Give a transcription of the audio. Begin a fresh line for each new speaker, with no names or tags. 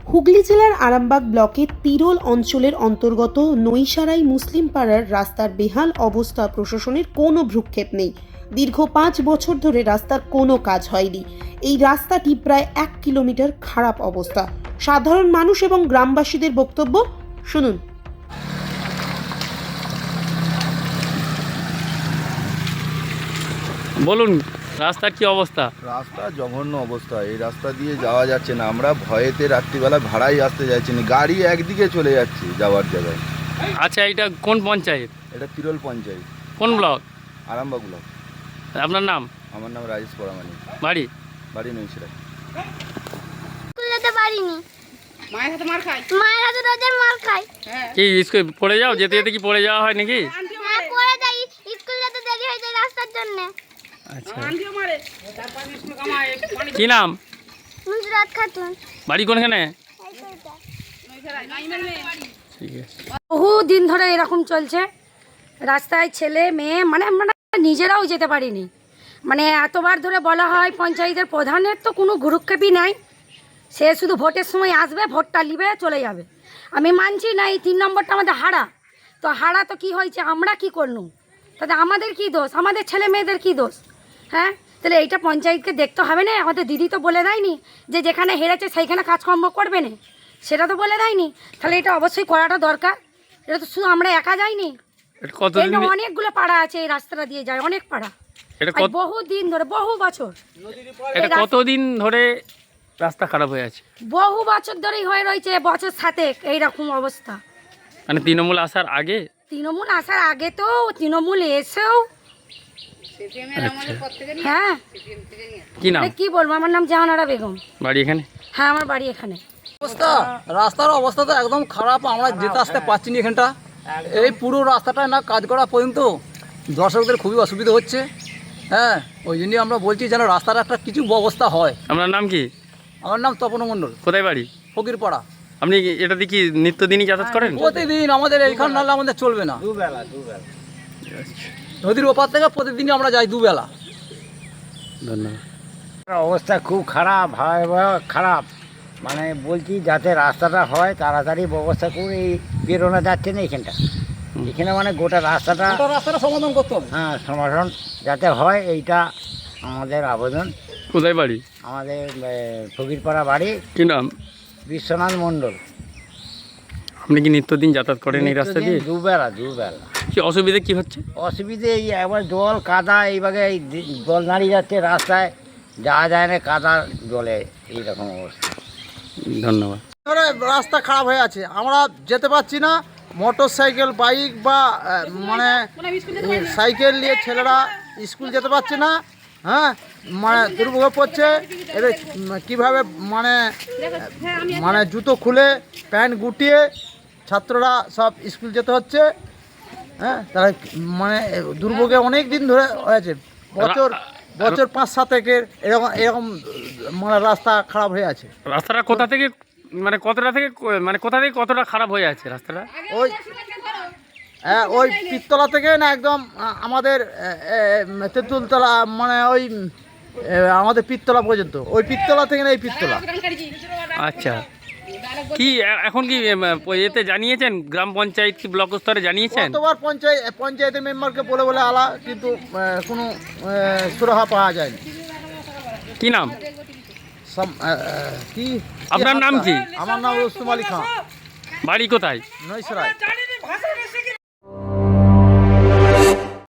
হুগলি জেলার আরামবাগ ব্লকের তিরোল অঞ্চলের অন্তর্গত নৈসারাই মুসলিম পাড়ার রাস্তার বেহাল অবস্থা প্রশাসনের কোনো ভ্রুক্ষেপ নেই। দীর্ঘ 5 বছর ধরে রাস্তার কোনো কাজ হয়নি। এই রাস্তাটি প্রায় 1 কিলোমিটার খারাপ অবস্থা। সাধারণ মানুষ এবং গ্রামবাসীদের বক্তব্য শুনুন।
বলুন, রাস্তার কি অবস্থা?
রাস্তা জঘন্য অবস্থা। এই রাস্তা দিয়ে যাওয়া যাচ্ছে না। আমরা ভয়েতে রাত্রিবেলা ভাড়াই আসতে যাচ্ছি না, গাড়ি একদিকে চলে যাচ্ছে যাওয়ার জায়গায়।
আচ্ছা, এটা কোন পঞ্চায়েত?
এটা তিরোল পঞ্চায়েত,
কোন ব্লক?
আরামবাগ ব্লক।
আপনার নাম?
আমার নাম রাজেশ পরামানি।
বাড়ি?
বাড়ি নৈশিরা।
স্কুল যেতে পারিনি, মায়ের হাতে মার খাই, মায়ের হাতে রোজের মার খাই।
কি স্কুল পড়ে যাও? যেতে যেতে কি পড়ে যাওয়া হয় নাকি?
হ্যাঁ, পড়ে যাই, স্কুল যেতে দেরি হয়ে যায় রাস্তার জন্য।
আচ্ছা, কি নাম?
নুসরাত খাতুন।
বাড়ি কোনখানে?
এই তো এটা।
ঠিক আছে।
বহু দিন ধরে এরকম চলছে। রাস্তায় ছেলে মেয়ে মানে আমরা নিজেরাও যেতে পারিনি। মানে এতবার ধরে বলা হয়, পঞ্চায়েতের প্রধানের তো কোনো গুরুক্ষেপই নাই। সে শুধু ভোটের সময় আসবে, ভোটটা নিবে, চলে যাবে। আমি মানছি না, এই 3 নম্বরটা আমাদের হারা। তো হারা তো কি হয়েছে, আমরা কি করলুম? তাতে আমাদের কি দোষ? আমাদের ছেলে মেয়েদের কি দোষ? হ্যাঁ, তাহলে এইটা পঞ্চায়েতকে দেখতে হবে না? আমাদের দিদি তো বলে দেয়নি যে যেখানে হেরেছে সেইখানে কাজকর্ম করবে না, সেটা তো বলে দেয়নি। তাহলে এটা অবশ্যই করাটা দরকার। এটা তো শুধু আমরা একা যাইনি,
এটা কতদিন?
এখানে অনেকগুলো পাড়া আছে, এই রাস্তাটা দিয়ে যায় অনেক পাড়া।
এটা
আর বহু দিন ধরে, বহু বছর,
এটা কতদিন ধরে রাস্তা খারাপ হয়ে আছে?
বহু বছর ধরেই হয়ে রয়েছে, বছর 7 এইরকম অবস্থা।
মানে তৃণমূল আসার আগে?
তৃণমূল আসার আগে তো, তৃণমূল এসেও।
আচ্ছা,
হ্যাঁ,
কি নাম?
কি বলবো, আমার নাম জাহানারা বেগম।
বাড়ি এখানে?
হ্যাঁ, আমার বাড়ি এখানে।
অবস্থা, রাস্তার অবস্থা তো একদম খারাপ। আমরা যেতে আসতে পারছি না এখানটা। এই পুরো রাস্তাটা না কাজ করা পর্যন্ত দর্শকদের খুবই অসুবিধা হচ্ছে। হ্যাঁ, ওই জন্যই আমরা বলছি যেন রাস্তার একটা কিছু ব্যবস্থা হয়।
আপনার নাম কি?
আমার নাম তপন মণ্ডল,
কোথায় বাড়ি?
ফকিরপাড়া।
আপনি এটা দিয়ে কি নিত্যদিনই যাতায়াত করেন?
প্রতিদিন আমাদের এইখান নাহলে আমাদের চলবে না। নদীর ওপার থেকে প্রতিদিনই আমরা যাই দুবেলা।
ধন্যবাদ।
অবস্থা খুব খারাপ, ভয়াবহ খারাপ। মানে বলছি যাতে রাস্তাটা হয় তাড়াতাড়ি ব্যবস্থা করে, এই বেরোনো যাচ্ছে না এখানটা। এখানে মানে গোটা রাস্তাটা
সমাধান করতে হবে।
হ্যাঁ, সমাধান যাতে হয়, এইটা আমাদের আবেদন।
কোথায় বাড়ি?
আমাদের ফকিরপাড়া বাড়ি,
কি নাম?
বিশ্বনাথ মণ্ডল।
আপনি কি নিত্যদিন যাতায়াত করেন এই রাস্তা দিয়ে?
দুবেলা
কি অসুবিধা কি হচ্ছে?
অসুবিধে এই একবার জল কাদা, এইভাবে এই জল দাঁড়িয়ে যাচ্ছে রাস্তায়, যাওয়া যায় না, কাদা জলে এইরকম অবস্থা।
ধন্যবাদ।
রাস্তা খারাপ হয়ে আছে, আমরা যেতে পারছি না। মোটর সাইকেল, বাইক বা মানে সাইকেল নিয়ে ছেলেরা স্কুল যেতে পারছে না। হ্যাঁ, মানে দুর্ভোগ পড়ছে। এবার কীভাবে মানে জুতো খুলে প্যান্ট গুটিয়ে ছাত্ররা সব স্কুল যেতে হচ্ছে। হ্যাঁ, তারা মানে দুর্ভোগে অনেক দিন ধরে হয়েছে, বছর 5-7 একের এরকম এরকম মানে রাস্তা খারাপ হয়ে আছে।
রাস্তাটা কোথা থেকে মানে কতটা থেকে মানে কোথা থেকে কতটা খারাপ হয়ে আছে রাস্তাটা?
ওই পিত্তলা থেকে না একদম আমাদের তেঁতুলতলা, মানে ওই আমাদের পিত্তলা পর্যন্ত, ওই পিত্তলা থেকে না এই পিত্তলা।
আচ্ছা, কি এখন কি এতে জানিয়েছেন? গ্রাম পঞ্চায়েত কি ব্লক স্তরে জানিয়েছেন?
কতবার পঞ্চায়েতের মেম্বারকে বলে আলা, কিন্তু কোনো সুরাহা পাওয়া যায়নি।
কি নাম?
কি
আপনার নাম কি?
আমার নাম রুস্তম আলী খান।
বাড়ি কোথায়?
নৈশরায়।